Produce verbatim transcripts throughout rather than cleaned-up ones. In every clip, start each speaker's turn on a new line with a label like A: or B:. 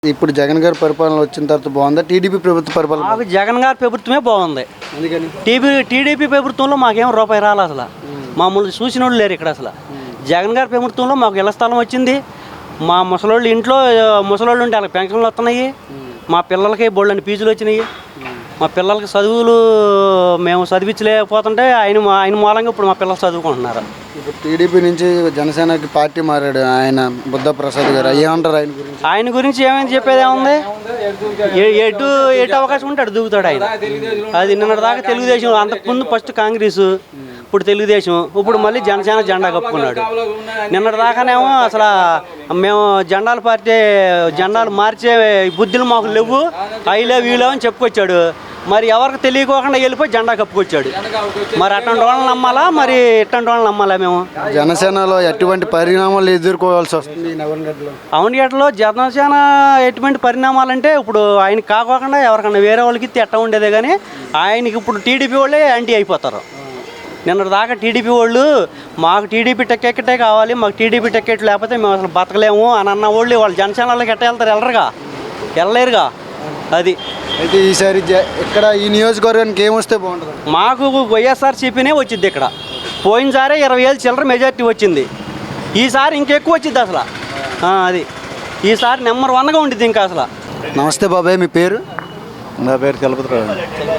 A: ఇప్పుడు జగన్ గారి పరిపాలన వచ్చిన తర్వాత బాగుందా టీడీపీ ప్రభుత్వ పరిపాలన?
B: మాకు జగన్ గారి ప్రభుత్వమే బాగుంది. టీడీ టీడీపీ ప్రభుత్వంలో మాకేం రూపాయి రాలే అసలు. మామూలు చూసిన వాళ్ళు లేరు ఇక్కడ అసలు. జగన్ గారి ప్రభుత్వంలో మాకు ఇళ్ల స్థలం వచ్చింది. మా ముసలోళ్ళు ఇంట్లో ముసలోళ్ళు ఉంటే వాళ్ళకి పెన్షన్లు వస్తున్నాయి. మా పిల్లలకి బోళ్ళని ఫీజులు వచ్చినాయి. మా పిల్లలకి చదువులు మేము చదివించలేకపోతుంటే ఆయన ఆయన మూలంగా ఇప్పుడు మా పిల్లలు చదువుకుంటున్నారు.
A: ఇప్పుడు టీడీపీ నుంచి జనసేనకి పార్టీ మారాడు ఆయన బుద్ధ ప్రసాద్ గారు. ఏమంటారు ఆయన గురించి?
B: ఆయన గురించి ఏమైనా చెప్పేది ఏముంది? ఎటు ఎటు అవకాశం ఉంటే అటు దూకుతాడు ఆయన. అది నిన్నటి దాకా తెలుగుదేశం, అంతకుముందు ఫస్ట్ కాంగ్రెస్, ఇప్పుడు తెలుగుదేశం, ఇప్పుడు మళ్ళీ జనసేన జెండా కప్పుకున్నాడు. నిన్నటి దాకానేమో అసలు మేము జెండాల పార్టీ జెండాలు మార్చే బుద్ధులు మాకు లేవు, అవి లేవు ఇవి లేవు అని చెప్పుకొచ్చాడు. మరి ఎవరికి తెలియకోకుండా వెళ్ళిపోయి జెండా కప్పుకొచ్చాడు. మరి అటువంటి వాళ్ళని నమ్మాలా, మరి ఇట్లాంటి వాళ్ళని నమ్మాలా? మేము
A: జనసేనలో ఎటువంటి పరిణామాలు ఎదుర్కోవాల్సి వస్తుంది
B: అవనిగడ్డలో జనసేన ఎటువంటి పరిణామాలంటే ఇప్పుడు ఆయన కాకోకుండా ఎవరికన్నా వేరే వాళ్ళకి ఎట్ట ఉండేదే కానీ ఆయనకి ఇప్పుడు టీడీపీ వాళ్ళే యాంటీ అయిపోతారు. నిన్నటి దాకా టీడీపీ వాళ్ళు మాకు టీడీపీ టికెట్టే కావాలి, మాకు టీడీపీ టికెట్ లేకపోతే మేము అసలు బతకలేము అని అన్న వాళ్ళు వాళ్ళు జనసేనలోకి ఎట్ట వెళ్తారు? వెళ్ళరుగా, వెళ్ళలేరుగా. అది
A: అయితే ఈసారి ఇక్కడ ఈ నియోజకవర్గానికి ఏమొస్తే బాగుంటుంది?
B: మాకు వైఎస్ఆర్సీపీనే వచ్చింది ఇక్కడ. పోయినసారే ఇరవై ఏళ్ళు చిల్లర మెజార్టీ వచ్చింది. ఈసారి ఇంకెక్కువ వచ్చింది అసలు. అది ఈసారి నెంబర్ వన్గా ఉండిద్ది ఇంకా అసలు.
A: నమస్తే బాబాయ్, మీ పేరు?
C: నా పేరు చలపతిరావు.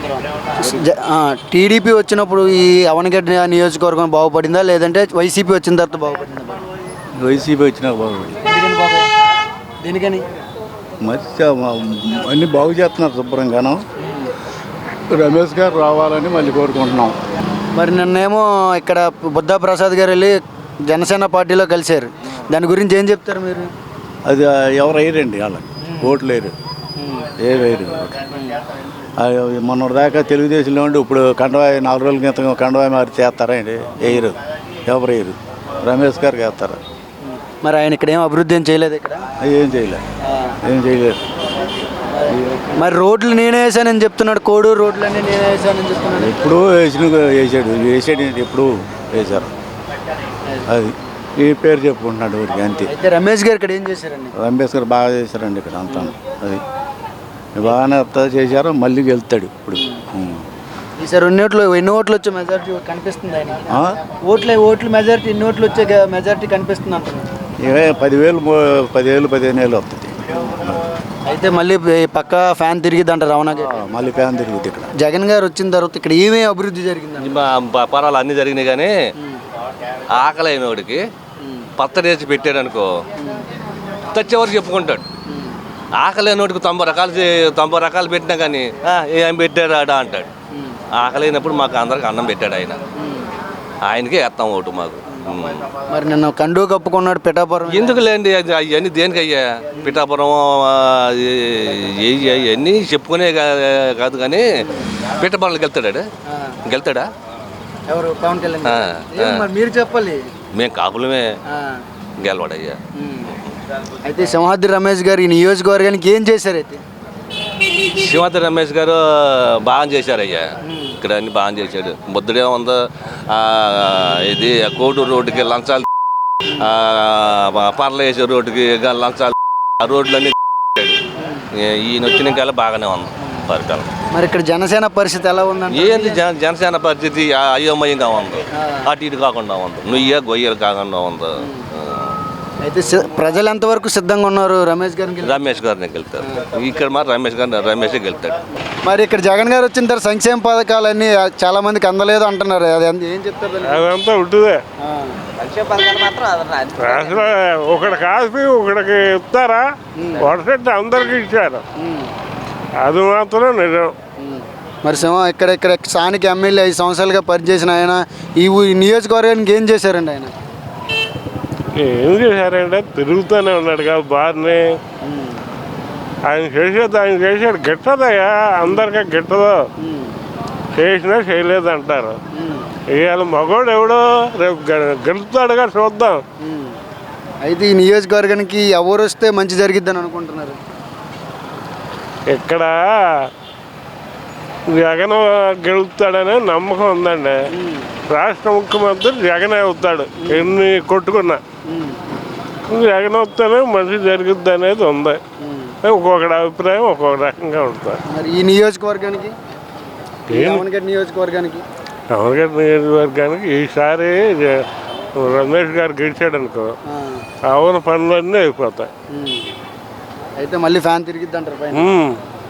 A: టీడీపీ వచ్చినప్పుడు ఈ అవనగడ్డ నియోజకవర్గం బాగుపడిందా, లేదంటే వైసీపీ వచ్చిన తర్వాత బాగుపడిందా?
C: వైసీపీ వచ్చినాక బాగుపడింది.
A: దేనికని?
C: మంచి అన్నీ బాగు చేస్తున్నారు శుభ్రంగాను. రమేష్ గారు రావాలని మళ్ళీ కోరుకుంటున్నాం.
A: మరి నిన్నేమో ఇక్కడ బుద్ధ ప్రసాద్ గారు వెళ్ళి జనసేన పార్టీలో కలిశారు. దాని గురించి ఏం చెప్తారు మీరు?
C: అది ఎవరు వేయరండి, వాళ్ళకి ఓట్లు వేయరు, ఏ వేయరు. మొన్న దాకా తెలుగుదేశంలో ఉండి ఇప్పుడు కండవాయి నాలుగు రోజుల క్రితం కండవాయి మారి చేస్తారా అండి? వేయరు, ఎవరు వేయరు. రమేష్ గారికి వేస్తారు.
A: మరి ఆయన ఇక్కడ ఏం అభివృద్ధి ఏం చేయలేదు? ఇక్కడ
C: ఏం చేయలేదు, ఏం చేయలేదు.
A: మరి రోడ్లు నేనే వేసానని చెప్తున్నాడు. కోడూరు రోడ్లు అన్నీ నేనే వేసానని చెప్తున్నాడు.
C: ఎప్పుడూ వేసిన వేసాడు వేసాడు ఎప్పుడు వేశారు. అది ఈ పేరు చెప్పుకుంటున్నాడు ఊరికి, అంతే.
A: అయితే రమేష్ గారు ఇక్కడ ఏం చేశారండి?
C: రమేష్ గారు బాగా చేశారండి ఇక్కడ అంతా. అది బాగానే చేశారు, మళ్ళీ వెళ్తాడు ఇప్పుడు.
A: ఈసారి ఎన్ని ఓట్లు ఎన్ని ఓట్లు వచ్చే మెజారిటీ కనిపిస్తుంది ఆయన? ఓట్లే ఓట్లు మెజారిటీ ఎన్ని ఓట్లు వచ్చే మెజారిటీ కనిపిస్తుంది అంటున్నాను.
C: ఇవే పదివేలు పదివేలు పదిహేను వేలు వస్తుంది.
A: అయితే మళ్ళీ పక్క ఫ్యాన్ తిరిగిద్ది అంటారు. అవునా?
C: మళ్ళీ ఫ్యాన్ తిరిగిద్ది. ఇక్కడ
A: జగన్ గారు వచ్చిన తర్వాత ఇక్కడ ఏమేమి అభివృద్ధి జరిగింది?
D: పరాలు అన్నీ జరిగినాయి కానీ ఆకలి అయినోడికి పత్తరేసి పెట్టాడు అనుకో, తెచ్చేవారు చెప్పుకుంటాడు. ఆకలి అయినోడికి తొంభై రకాలు తొంభై రకాలు పెట్టినా కానీ ఏం పెట్టాడు ఆడ అంటాడు. ఆకలి అయినప్పుడు మాకు అందరికి అన్నం పెట్టాడు ఆయన. ఆయనకే వేస్తాం ఓటు మాకు.
A: మరి నిన్న కండు కప్పుకున్నాడు పిఠాపురం.
D: ఎందుకు లేండి అవన్నీ దేనికి అయ్యా? పిఠాపురం అవన్నీ చెప్పుకునే కాదు కానీ పిఠాపురంలోకి వెళ్తాడా? వెళ్తాడా?
A: ఎవరు? పవన్ కళ్యాణ్. మీరు చెప్పాలి.
D: మేము కాపులమే, గెలవాడయ్యా.
A: అయితే సింహాద్రి రమేష్ గారు ఈ నియోజకవర్గానికి ఏం చేశారు? అయితే
D: సింహాద్రి రమేష్ గారు బాగా చేశారయ్యా. ఇక్కడ అన్ని బాగా చేశాడు. బుద్ధుడే ఉందో ఇది కోటూరు రోడ్డుకి లంచాలు, పర్ల వేసే రోడ్డుకి లంచాలు, ఆ రోడ్లన్నీ ఈయన వచ్చినాక బాగానే ఉంది పరిపాలన.
A: మరి ఇక్కడ జనసేన పరిస్థితి ఎలా ఉందండి?
D: ఏంది జనసేన పరిస్థితి అయోమయంగా ఉంది, అటు ఇటు కాకుండా ఉంది, నుయ్య గొయ్యలు కాకుండా ఉంది.
A: అయితే ప్రజలు ఎంతవరకు సిద్ధంగా ఉన్నారు రమేష్ గారికి?
D: రమేష్ గారిని గెలుతారు ఇక్కడ. మరి రమేష్ గారిని రమేషే గెలుతాడు.
A: మరి ఇక్కడ జగన్ గారు వచ్చిన తర్వాత సంక్షేమ పథకాలన్నీ చాలా మందికి అందలేదు అంటున్నారు. అది ఏం చెప్తారు?
E: అదంతా ఉంటుందే. అసలు ఒకటి కాసి ఒకటికి ఇస్తారా? వరుస అందరికి ఇచ్చారు, అది మాత్రం నిజం.
A: మరి సింహ ఇక్కడ ఇక్కడ స్థానిక ఎమ్మెల్యే ఐదు సంవత్సరాలుగా పనిచేసిన ఆయన ఈ నియోజకవర్గానికి ఏం చేశారండి? ఆయన
E: ఏం చేశారంటే తిరుగుతూనే ఉన్నాడు కదా బాగానే. ఆయన చేసేది ఆయన చేసాడు గిట్టదయ్యా, అందరికీ గిట్టదు. చేసినా చేయలేదు అంటారు. ఇవాళ మగోడు ఎవడో రేపు గెలుస్తాడుగా, చూద్దాం.
A: అయితే ఈ నియోజకవర్గానికి ఎవరు వస్తే మంచి జరిగిద్దని అనుకుంటున్నారు?
E: ఇక్కడ జగన్ గెలుస్తాడనే నమ్మకం ఉందండి. రాష్ట్ర ముఖ్యమంత్రి జగన్ అవుతాడు ఎన్ని కొట్టుకున్నా. జగన్ వస్తేనే మంచి జరుగుద్ది అనేది ఉంది. ఒక్కొక్కటి అభిప్రాయం ఒక్కొక్క రకంగా ఉంటుంది.
A: మరి ఈ నియోజకవర్గానికి ఈ
E: ఏం?
A: రావణగడ్డ నియోజకవర్గానికి
E: అమరగడ్డ నియోజకవర్గానికి ఈసారి జ- రమేష్ గారు గెలిచాడు అనుకో
A: ఆ,
E: అవున పనులన్నీ అయిపోతాయి.
A: ఉమ్. అయితే మళ్ళీ ఫ్యాన్ తిరిగిద్ది అంటారు పైన.
E: ఉమ్.